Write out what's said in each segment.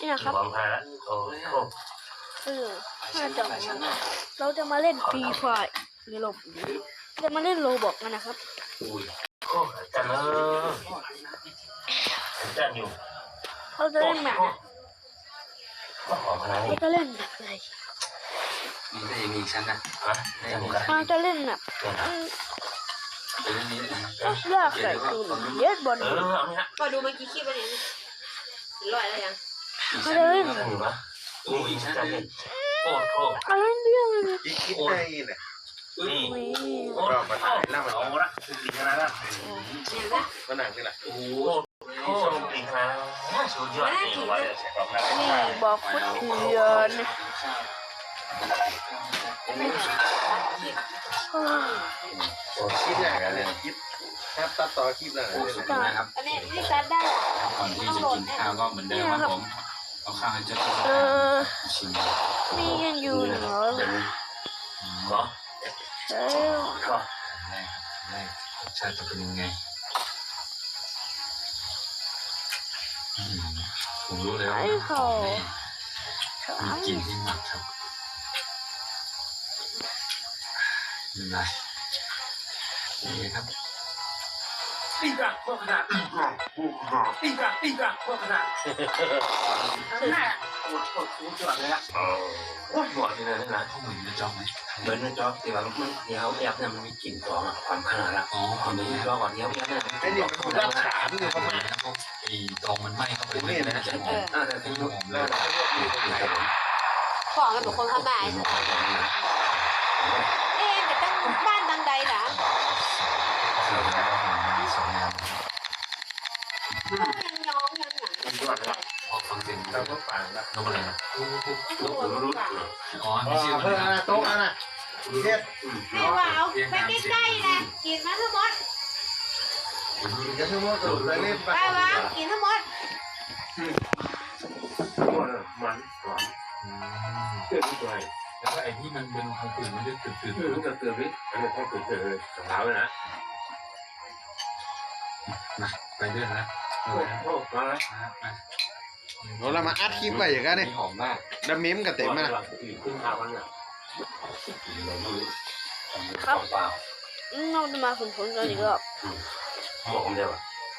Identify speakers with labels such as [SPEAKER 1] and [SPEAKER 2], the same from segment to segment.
[SPEAKER 1] นี่นะครับ
[SPEAKER 2] ความพาโอ้โห
[SPEAKER 1] เราจะมาเล่นฟรีไฟร์หรือจะมาเล่นโรบอกกันนะครับ
[SPEAKER 2] อุ้ยโอ้จันจันอยู่
[SPEAKER 1] เราจะเล่นแบบ
[SPEAKER 2] ก็ขอพลัง
[SPEAKER 1] เราจะเล่นแบบอะไร
[SPEAKER 3] มีได้มีชั้นนะ
[SPEAKER 2] ฮะจันกัน
[SPEAKER 1] เราจะเล่นแบบ
[SPEAKER 3] เรื่องนี้
[SPEAKER 1] ยากใส่ตูนเยอะบอล
[SPEAKER 2] เอาไหมฮะ
[SPEAKER 4] ก็ดูเมื่อกี้คลิปวันนี้ลอยแล้วยัง
[SPEAKER 1] เราจะเล่น
[SPEAKER 2] จันอยู่ปะอุ้ยจันเล่นโอ้โห
[SPEAKER 1] อะไรเรื่องเลย
[SPEAKER 5] อีกคิดได้เนี่ย
[SPEAKER 2] นี่
[SPEAKER 1] นี่
[SPEAKER 5] ก็มาถ่ายแล้วมัน
[SPEAKER 2] เอาละปีขนาดนั้น
[SPEAKER 4] เนี่ยนะ
[SPEAKER 5] มันหนังนี่แหละ
[SPEAKER 2] โอ้โหชมปีขนาดนั้นสุดยอดจริงวะเนี่ยบอกนะ
[SPEAKER 1] นี่บอกฟุตเถื่อน
[SPEAKER 5] คิดอย่างนั้นเลยคิดแทบตัดต่อคลิปแล้วเลย
[SPEAKER 3] นะครับ
[SPEAKER 4] อันนี้นี่ซัดได้
[SPEAKER 3] ก่อนที่จะกินข้าวก็เหมือนเดิมครับผมเอาข้าวให้เจ้าตัวชิม
[SPEAKER 1] มีกันอยู่เหรอ
[SPEAKER 2] เหรอ
[SPEAKER 1] เอ้ย
[SPEAKER 2] ก็
[SPEAKER 3] แรกรสชาติจะเป็นยังไงผมรู้เลยว่ามีกลิ่นที่หมักครับเป็นไรนี่ครับ
[SPEAKER 2] ปีกะพวกขนาดปีกะพวกขนาด
[SPEAKER 4] ข้างหน้า
[SPEAKER 2] โคตรสุดยอดเลยอ่ะโอ้ยหมดเลยนะ
[SPEAKER 3] เขาเหมือนจะจ้องไหม
[SPEAKER 2] เหมือนในจอที่ว่ามันเดี๋ยวแอบเนี่ยมันมีกลิ่นของความขนาดละ
[SPEAKER 3] อ๋อ
[SPEAKER 2] ความนี้รอก่อนเดี๋ยวเนี่ย
[SPEAKER 5] ไอ้นี่มันคือรักษาที่อยู่ประมาณ
[SPEAKER 3] พวกไอ้ตรงมันไหม้เข้าไปเลยนะจะหอม
[SPEAKER 2] แต่ที่ยุค
[SPEAKER 5] แล้
[SPEAKER 2] แล้ว ว
[SPEAKER 5] ก็เรียกอยู่ตรงไหน
[SPEAKER 4] ของกันเป็นคนข้างบ้านแต่ตั้งบ้านตั้งใดนะ
[SPEAKER 3] เสือแล้วก็มีสองแนว
[SPEAKER 4] ยังน้องยังหนัง
[SPEAKER 2] สุดยอดเลย
[SPEAKER 3] พอฟังเสียง
[SPEAKER 5] เราก็ฝังละ
[SPEAKER 3] นกอะไรนะ
[SPEAKER 2] ลูกผมรู้
[SPEAKER 3] อ๋อไม่ชื่อมัน
[SPEAKER 5] เพื่อน
[SPEAKER 3] นะ
[SPEAKER 5] โต๊ะน่ะเฮ็ด
[SPEAKER 4] แม่ว่าเอาไปใกล้ๆนะกินมาทั้งหมด
[SPEAKER 5] กันทั้งหมดเลยเล่นไป
[SPEAKER 4] ไปวางกินทั้งหมด
[SPEAKER 2] มันหวานเชื่อที่ตัว
[SPEAKER 3] แล้วก็ไอ้ที่มันเป็นทางปืนมันจะตื่น
[SPEAKER 2] รู้กับเตือนวิอันนี้แค่เตือนเลยสองเท้าเลยนะ
[SPEAKER 3] มาไปด้วยนะ
[SPEAKER 2] โอ้โหมาแล้ว
[SPEAKER 5] เรามาอัดคลิปไปอย่างนั้นนี่
[SPEAKER 3] หอมมาก
[SPEAKER 5] ดำเม้มกับเต็มนะ
[SPEAKER 2] ขึ้นข้าวกันเนี่ย
[SPEAKER 1] ครับเราจะมาฝึกฝนกันอีกรอบ
[SPEAKER 2] บอกผมเดียว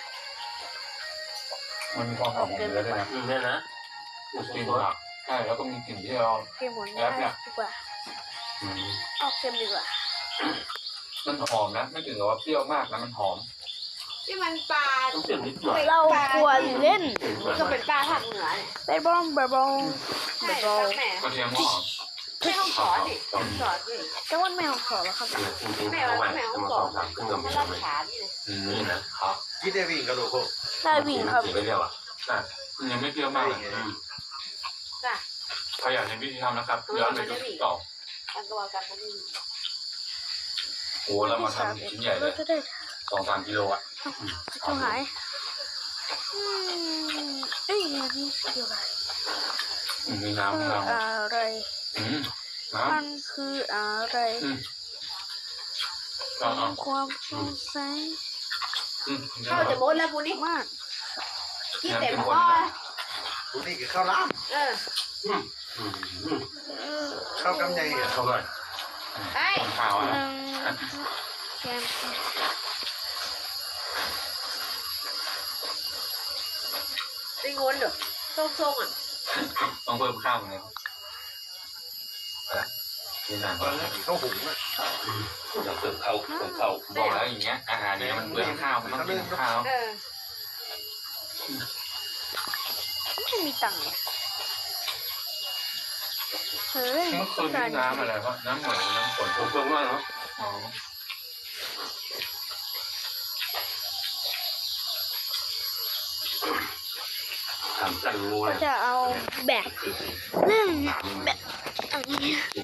[SPEAKER 3] มันมีความหอมของเนื้อด้วยนะ
[SPEAKER 2] เนี่ยนะ
[SPEAKER 3] กลิ่นผักใช่แล้วก็มีกลิ่นที่เรา
[SPEAKER 1] เค็มหมดได้ดีกว่าเอาเค็มดีกว่า
[SPEAKER 3] มันหอมนะไม่ถึงกับว่าเปรี้ยวมากนะมันหอม
[SPEAKER 4] ที่มันปลา
[SPEAKER 2] ต้องเปลี่ยนนิดหน่อย
[SPEAKER 1] เราควรเล่น
[SPEAKER 4] ก็เป็นปลาภาคเหนือเนี่ย
[SPEAKER 1] ไปบอลไปบอล
[SPEAKER 4] ใช่แม่
[SPEAKER 3] กระเทียมหอม
[SPEAKER 4] ไม่ต้องสอนดิสอนดิ
[SPEAKER 1] แต่ว่าไม่เอาขอแล้วครับ
[SPEAKER 4] แม่ว่าแม่ต้องสอน
[SPEAKER 2] ขึ้นกับ
[SPEAKER 4] มา
[SPEAKER 2] มี
[SPEAKER 4] ลักขานี่เลย
[SPEAKER 2] นี่นะครับ
[SPEAKER 5] คิดได้วิ่งกระโดดโค
[SPEAKER 1] ได้วิ่งครับ
[SPEAKER 2] ไปเรียกว่า
[SPEAKER 3] มันยังไม่เปรี้ยวมากเลย
[SPEAKER 4] จ้ะ
[SPEAKER 3] ใครอยากเห็นวิธีทำนะครับย้อนไปดูต่อ
[SPEAKER 4] กันก็ว่ากันมันนี่
[SPEAKER 3] โอ้เรามาทำชิ้นใหญ่เล
[SPEAKER 1] เรา
[SPEAKER 3] ย
[SPEAKER 1] จะได้
[SPEAKER 3] 2-3 กิโลอ่ะ
[SPEAKER 1] จะหายเอ้ยนี่เกี่ยวอะไร
[SPEAKER 3] มีน้ำ
[SPEAKER 1] คือ
[SPEAKER 3] น้
[SPEAKER 1] อะไร
[SPEAKER 3] ำน้
[SPEAKER 1] มันคืออะไร
[SPEAKER 3] ำ
[SPEAKER 1] ความสงสัย
[SPEAKER 4] เข้าจะมดแล้วกูนี่
[SPEAKER 1] มาก
[SPEAKER 4] กินเต็มคอ
[SPEAKER 5] กูนี่คือข้าวล้ ข้าวกำไยอ่ะ
[SPEAKER 2] เข้าไป
[SPEAKER 4] ไอ้
[SPEAKER 3] ข้าว
[SPEAKER 1] ห
[SPEAKER 3] อ่ะ
[SPEAKER 1] นึ่งแกน
[SPEAKER 4] ไปงนเหรอทรงอ่ะ
[SPEAKER 3] ต้องเพิ่มข้าวเหมือนกันนี่นาน
[SPEAKER 5] ตอนแรกข้าวหุงอ่ะ
[SPEAKER 2] อยากเติมเข้า
[SPEAKER 3] บอกแล้วอย่างเงี้ยอาหารเนี่ยมันเปลืองข้าวมันต้องกินข้าว
[SPEAKER 1] ไม่มีตังค์เฮ้ย
[SPEAKER 3] เมื่อคืนนี่น้ำอะไรวะน้ำเหมือนน้ำฝน
[SPEAKER 2] ผมเพิ่มมากเนาะ
[SPEAKER 3] อ๋อ
[SPEAKER 2] ถามจันงูเลย
[SPEAKER 1] จะเอาแบบเรื่องแบบอันนี้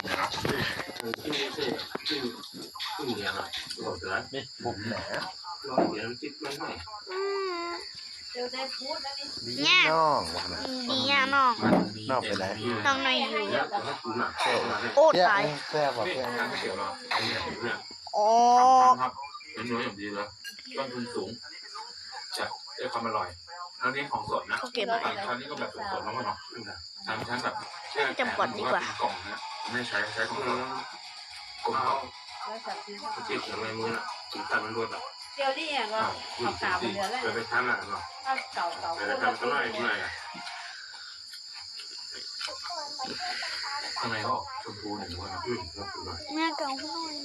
[SPEAKER 2] ขึ้นเดียวหน่อยบอกเตือนนี่
[SPEAKER 5] ผมแหน
[SPEAKER 2] รอเดี๋ยวจิ๊บมันหน่อย
[SPEAKER 4] เดี๋ยวได้พูดแล้วนี่
[SPEAKER 5] ดีน้องวะนะ
[SPEAKER 1] ดีอ่ะน้อง
[SPEAKER 5] นอกไปไหน
[SPEAKER 1] น้องในอยู่
[SPEAKER 2] แล้วให้กูหนักแค่ไหน
[SPEAKER 1] โอ้
[SPEAKER 5] แซ่บ
[SPEAKER 1] ตาย
[SPEAKER 5] แซ่บว่ะ
[SPEAKER 3] นี่
[SPEAKER 5] เพื่อน
[SPEAKER 3] น้ำเขียวเรา
[SPEAKER 2] เนี่ย
[SPEAKER 1] อ๋อ
[SPEAKER 3] ครับเป็นเนื้ออย่างดีเลยต้นทุนสูงจะได้ความอร่อยอันนี้ของสดนะ
[SPEAKER 1] เขาเก็บไว้
[SPEAKER 3] คราวนี้ก็แบบสดๆแล้วมั้งเนาะชั้นแบบแช่
[SPEAKER 1] จำก่อนดีกว่า
[SPEAKER 3] เป็นกล่องนะไม่ใช้ของสด
[SPEAKER 2] กลมเขา
[SPEAKER 4] 130
[SPEAKER 2] เจ็บอย่างไรมือน่ะถึงตัดมันรวดอ่ะ
[SPEAKER 4] เดี๋ยวนี้อ่ะก็ขาวๆเหลือแล้ว
[SPEAKER 2] ไปทำอ่ะเนาะ
[SPEAKER 4] ถ้าเก่าๆ
[SPEAKER 2] ไปทำก็ไม่ไม่อ่ะ
[SPEAKER 3] ข้างในก็ออกชมพูหนึ่งวันนะ
[SPEAKER 2] รับหน่อย
[SPEAKER 1] แม่เก่าเขาหน่อย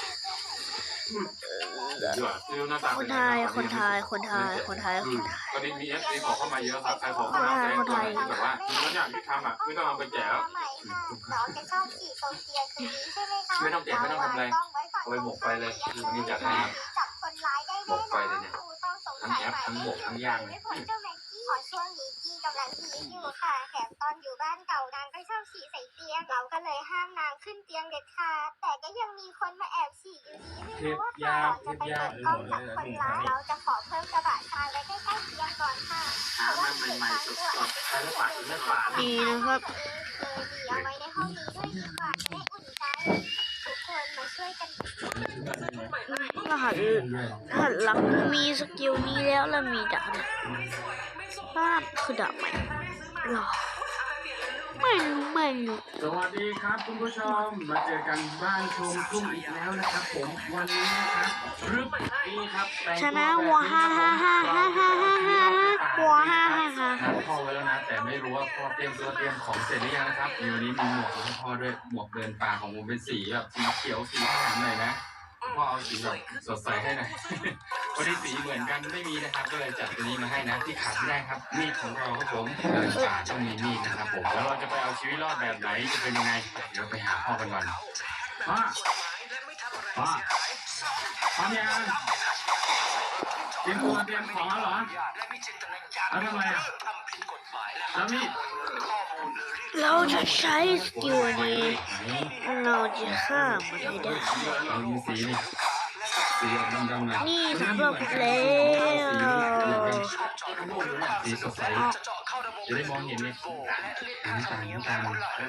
[SPEAKER 3] ดีกว่าที่หน้าตา
[SPEAKER 1] คนไทยคนไทยคนไทยคนไทยคนไทย
[SPEAKER 3] ตอนนี้มีเอฟซีขอเข้ามาเยอะครับใครขอเข้ามาแสดงตัวที่แบบว่าบางอย่างที่ทำอ่ะไม่ต้องเอาไปแจกแล้ว
[SPEAKER 6] น้องจะชอบขี่โตเกียวตัวนี้ใช่ไหมคะ
[SPEAKER 3] ไม่ต้องแจกไม่ต้องทำอะไรเอาไปหมกไฟเลยวันนี้จัดให้ครับ
[SPEAKER 6] จับคนร้ายได้
[SPEAKER 3] หมกไฟเลยเนี่ย
[SPEAKER 6] ต้องสง
[SPEAKER 3] ทั้ง
[SPEAKER 6] สัย
[SPEAKER 3] แอปทั้งหมกทั้งย่างเลย
[SPEAKER 6] ไม่พ้นเจ้าแม็กกี้ขอช่วงนี้กี้กำลังฮีทอยู่ค่ะแถมตอนอยู่บ้านเก่านางก็ชอบฉี่ใส่เตียงเราก็เลยห้ามนางขึ้นเตียงเด็ดขาดแต่ก็ยังมีคนมาแอบฉี่อยู่ดีไม่รู้ว่าก่อนจะไปเปิดกล้องจับคนร้ายเราจะขอเพิ่มกระบะทรายไว้ใกล้ๆเตียงก่อนค่ะเพราะว่าใหม่ๆสดๆ
[SPEAKER 2] ใช้แล้วปาดไม่ปาด
[SPEAKER 1] ดีนะครับ
[SPEAKER 6] ดีเอาไว้ในห้องนี้ด้วยดีกว่าจะได้อุ่นใจทุกคนมาช่วยกัน
[SPEAKER 1] รหัสหลักมีสกิลนี้แล้วมีดาบบ้านคือดาบใหม่หรอไม่รู้
[SPEAKER 2] สวัสดีครับคุณผู้ชมมาเจอกันบ้านชมทุ่งอีกแล้วนะครับผมวันนี้นะครับรึบนี่ครับ
[SPEAKER 1] ชนะวัวฮ่าฮ่าฮ่าฮ่าฮ่าฮ่าฮ่าวัวฮ่าฮ่าฮ่า
[SPEAKER 3] นัดพ่อไว้แล้วนะแต่ไม่รู้ว่าพ่อเตรียมตัวเตรียมของเสร็จหรือยังนะครับมีวันนี้มีหมวกของพ่อด้วยหมวกเดินป่าของผมเป็นสีแบบสีเขียวสีขาวหน่อยนะพ่อเอาสีแบบสดใสให้หน่อยวันนี้สีเหมือนกันไม่มีนะครับก็เลยจัดตัวนี้มาให้นะที่ขาดไม่ได้ครับมีดของเราครับผมเดินป่าต้องมีมีดนะครับผมแล้วเราจะไปเอาชีวิตรอดแบบไหนจะเป็นยังไงเดี๋ยวไปหาพ่อกันก่อนพ่อพร้อมยังเตรียมตัวเตรียมของแล้วเหรอแล้วทำไมอ่ะแล้วมีด
[SPEAKER 1] เราจะใช้สกิลนี้เราจะฆ่ามันให้ได้
[SPEAKER 3] เรามีสีนี่สีออกดำๆหน่อย
[SPEAKER 1] นี่สำหรับแล้ว
[SPEAKER 3] สีสดใสจะได้มองเห็นเลยน้ำตาล